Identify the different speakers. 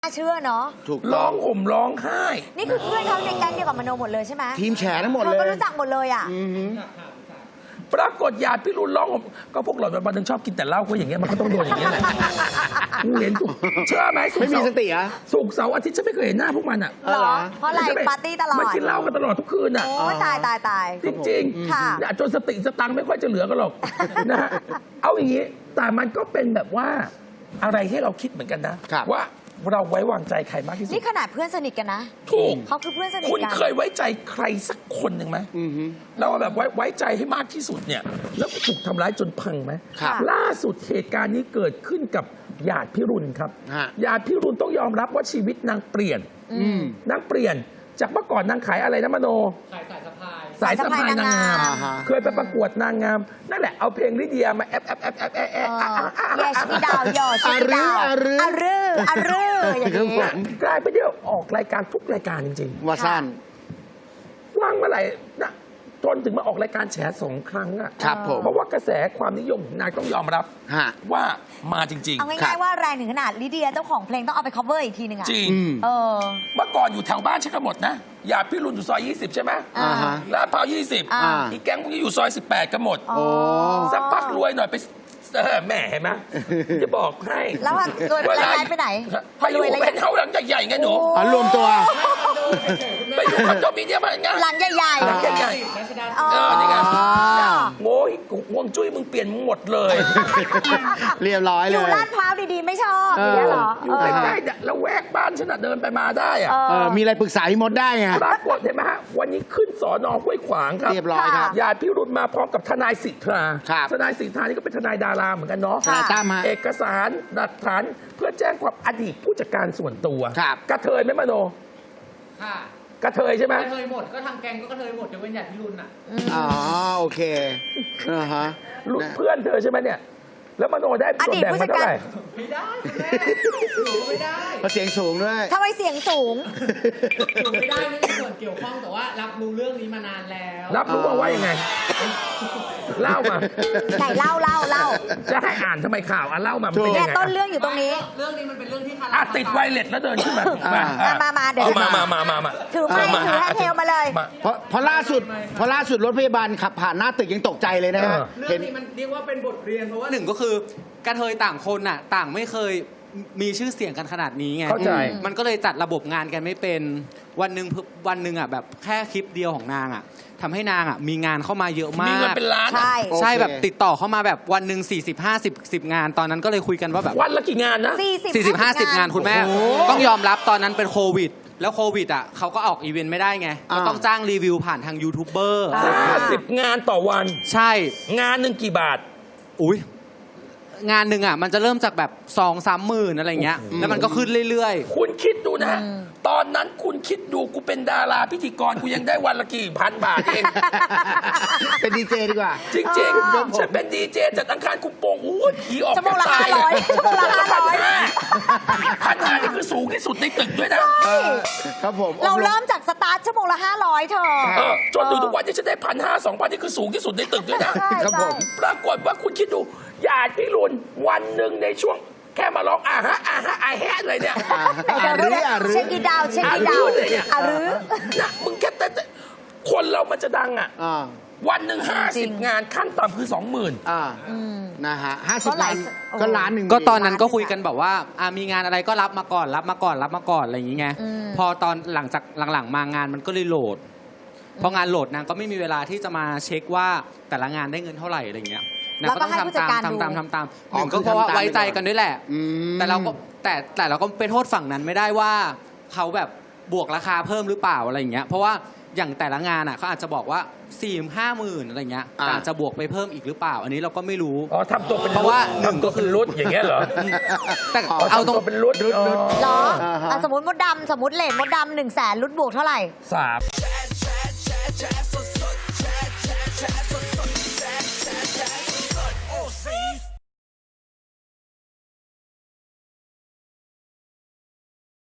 Speaker 1: น่าเชื่อเนาะ
Speaker 2: ถูก
Speaker 3: ร้องห่มร้องไห้
Speaker 1: นี่คือเพื่อนเขาในแก๊งเดียวกับมโนหมดเลยใช่ไหม
Speaker 2: ทีมแฉทั้งหมดเลย
Speaker 1: ก็รู้จักหมดเลยอ่ะ
Speaker 3: ปรากฏญาติพี่รุนร้องห่มก็พวกหล่อนวันนึงชอบกินแต่เหล้าก็อย่างเงี้ยมันก็ต้องโดนอย่างเงี้ยแหละกูเห็นเชื่อไหม
Speaker 2: ไม่มีสติเหรอ
Speaker 3: ศุกร์เสาร์อาทิตย์ฉันไม่เคยเห็นหน้าพวกมันอ่ะ
Speaker 1: เหรอเพราะอะไรปาร์ตี้ตลอด
Speaker 3: มันกินเหล้ากันตลอดทุกคืนอ่ะ
Speaker 1: โอ้ตายจ
Speaker 3: ริง
Speaker 1: ๆค่ะ
Speaker 3: จนสติสตังค์ไม่ค่อยจะเหลือกันหรอกนะฮะเอาอย่างนี้แต่มันก็เป็นแบบว่าอะไรให้เราคิดเหมือนกันนะว่าเราไว้วางใจใครมากที่สุด
Speaker 1: นี่ขนาดเพื่อนสนิทกันนะ
Speaker 3: ถูก
Speaker 1: เขาคือเพื่อนสนิทกัน
Speaker 3: คุณเคยไว้ใจใครสักคนหนึ่งไหมแล้วแบบไว้ใจให้มากที่สุดเนี่ยแล้วถูกทำร้ายจนพังไหมล่าสุดเหตุการณ์นี้เกิดขึ้นกับญาติพิรุณครับญาติพิรุณต้องยอมรับว่าชีวิตนางเปลี่ยนนางเปลี่ยนจากเมื่อก่อนนางขายอะไรนะมโน
Speaker 4: สายสะพาย
Speaker 3: สายสะพายนางงามเคยไปประกวดนางงามนั่นแหละเอาเพลงลิเดียมาแอบ
Speaker 1: แยชมีดาวยอชมีดาวอารืออย่างนี้
Speaker 3: กลายไปเดียวออกรายการทุกรายการจริง
Speaker 2: ๆว่าสั้น
Speaker 3: ว่างเมื่อไหร่นะจนถึงมาออกรายการแฉ2 ครั้งอ่ะ
Speaker 2: ครับผม
Speaker 3: เพราะว่ากระแสความนิยมของนางต้องยอมรับว่ามาจริงๆ
Speaker 1: เอาง่ายๆว่าแรงถึงขนาดลิเดียเจ้าของเพลงต้องเอาไป cover อีกทีนึงอ่ะ
Speaker 3: จริงเมื่อก่อนอยู่แถวบ้านฉันกันหมดนะอย่าพี่รุนอยู่ซอย20ใช่ไหมลาดพร้าว20อีกแก๊งพวกนี้อยู่ซอย18กันหมดสักพักรวยหน่อยไปแม่เห็นไหมจะบอกให้
Speaker 1: แล้วรวยไปไหน
Speaker 3: ไปอยู่เป็นเฮาหลังใหญ่ๆไงหนู
Speaker 2: รวมตัว
Speaker 3: ไปอยู่คอนโดมิเนียมอะไรเงี้ย
Speaker 1: หลังใหญ่
Speaker 3: ๆหลังใหญ่ๆนี่ไงโง่ห่วงจุ้ยมึงเปลี่ยนหมดเลย
Speaker 2: เรียบร้อยเลย
Speaker 1: อยู่ลาดพร้าวดีๆไม่ชอบอย่างนี้เหรอ
Speaker 3: อยู่ใกล้ๆแล้วแวกบ้านฉันเดินไปมาได้อะ
Speaker 2: มีอะไรปรึกษาพี่มดได้ไง
Speaker 3: ปรากฏเห็นไหมฮะวันนี้ขึ้นสอนอห้วยขวางครับ
Speaker 2: เรียบร้อยครับ
Speaker 3: ญาติพี่รุนมาพร้อมกับทนายสิทธาทนายสิทธานี่ก็เป็นทนายดาราเหมือนกันเนาะเอกสารหลักฐานเพื่อแจ้งความอดีตผู้จัดการส่วนตัวกระเทยไหมมโน
Speaker 4: ค่ะ
Speaker 3: กระเทยใช่ไหม
Speaker 4: กระเทยหมดก็ทางแกงก็กระเทยหมดยกเว้นญาติพี่รุนอ่ะ
Speaker 2: โอเค
Speaker 3: เพื่อนเธอใช่ไหมเนี่ยแล้วมโนได้ส่วนแบ่งมาเท่าไหร่
Speaker 4: ไม่ได้ไม่ได้
Speaker 2: เพราะเสียงสูงด้วย
Speaker 1: ทำไมเสียงสูง
Speaker 4: ไม่ได้ไม่มีส่วนเกี่ยวข้องแต่ว่ารับรู้เรื่องนี้มานานแล้ว
Speaker 3: รับรู้ว่ายังไงเล่ามา
Speaker 1: ไหนเล่า
Speaker 3: จะให้อ่านทำไมข่าวเล่ามา
Speaker 1: เนี่ยต้นเรื่องอยู่ตรงนี้
Speaker 4: เรื่องนี้มันเป็นเรื่องที่
Speaker 3: ติดไวเลสแล้วเดินขึ้นมา
Speaker 1: มาเดี๋ยว
Speaker 3: มา
Speaker 1: ถือให้เทลมาเลย
Speaker 2: เพราะล่าสุดรถพยาบาลขับผ่านหน้าตึกยังตกใจเลยนะ
Speaker 4: เรื่องนี้มันเรียกว่าเป็นบทเรียนเพราะว่าหนึ่งก็คือกระเทยต่างคนน่ะต่างไม่เคยมีชื่อเสียงกันขนาดนี้ไง
Speaker 3: เข้าใจ
Speaker 4: มันก็เลยจัดระบบงานกันไม่เป็นวันหนึ่งอ่ะแบบแค่คลิปเดียวของนางอ่ะทำให้นางอ่ะมีงานเข้ามาเยอะมากมี
Speaker 3: เงินเป็นล้าน
Speaker 4: ใช่แบบติดต่อเข้ามาแบบวันหนึ่ง40-50 งานตอนนั้นก็เลยคุยกันว่าแบบ
Speaker 3: วันละกี่งานนะ
Speaker 4: 40-50 งานคุณแม่ต้องยอมรับตอนนั้นเป็นโควิดแล้วโควิดอ่ะเขาก็ออกอีเวนต์ไม่ได้ไงก็ต้องจ้างรีวิวผ่านทางยูทูบเบอร์
Speaker 3: 50 งานต่อวัน
Speaker 4: ใช่
Speaker 3: งานหนึ่งกี่บาท
Speaker 4: อุ้ยงานหนึ่งอ่ะมันจะเริ่มจากแบบ2-3 หมื่นอะไรเงี้ยแล้วมันก็ขึ้นเรื่อย
Speaker 3: ๆคุณคิดดูนะตอนนั้นคุณคิดดูกูเป็นดาราพิธีกรกูยังได้วันละกี่พันบาทเอง
Speaker 2: เป็นดีเจดีกว่า
Speaker 3: จริงๆฉันเป็นดีเจจัดอังคารคุปโป่งอู้ผีออก
Speaker 1: ชั่วโมงละ500ชั่วโมงละ
Speaker 3: 500นี่คือสูงที่สุดในตึกด้วยนะครับ
Speaker 2: ผม
Speaker 1: เราเริ่มจากสตาร์ทชั่วโมงละ500เธอ
Speaker 3: จนถึงทุกวันที่ฉันได้1,500-2,000นี่คือสูงที่สุดในตึกด้วยนะครับผมปรากฏว่าคุณคิดดูญาติพี่รุนวันหนึ่งในช่วงแค่มาร้องอาฮะเลยเนี่ย
Speaker 1: เช็คอีดาว
Speaker 3: นะมึงแค่แต่คนเรามันจะดังวันหนึ่ง50 งานขั้นต่ำคือ 20,000
Speaker 2: นะฮะ50 งานก็ล้านหนึ่ง
Speaker 4: ก็ตอนนั้นก็คุยกันแบบว่ามีงานอะไรก็รับมาก่อนอะไรอย่างเงี้ยพอตอนหลังจากหลังๆมางานมันก็เลยโหลดพองานโหลดนางก็ไม่มีเวลาที่จะมาเช็คว่าแต่ละงานได้เงินเท่าไหร่อะไรเงี้ยนางก็ต้องทำตามหนึ่งก็เพราะว่าไว้ใจกันด้วยแหละแต่เราก็ไปโทษฝั่งนั้นไม่ได้ว่าเขาแบบบวกราคาเพิ่มหรือเปล่าอะไรอย่างเงี้ยเพราะว่าอย่างแต่ละงานเขาอาจจะบอกว่า4-5 หมื่นอะไรเงี้ยอาจจะบวกไปเพิ่มอีกหรือเปล่าอันนี้เราก็ไม่รู้
Speaker 3: ทำตัวเป็น
Speaker 4: เพราะว่าหนึ่งก็คือ
Speaker 3: รุดอย่างเงี้ยเหรอ
Speaker 4: แต่เอาตรง
Speaker 3: เป็นรุด
Speaker 1: เหรอสมมติมดดำเลทมดดำ100,000รุดบวกเท่าไหร่3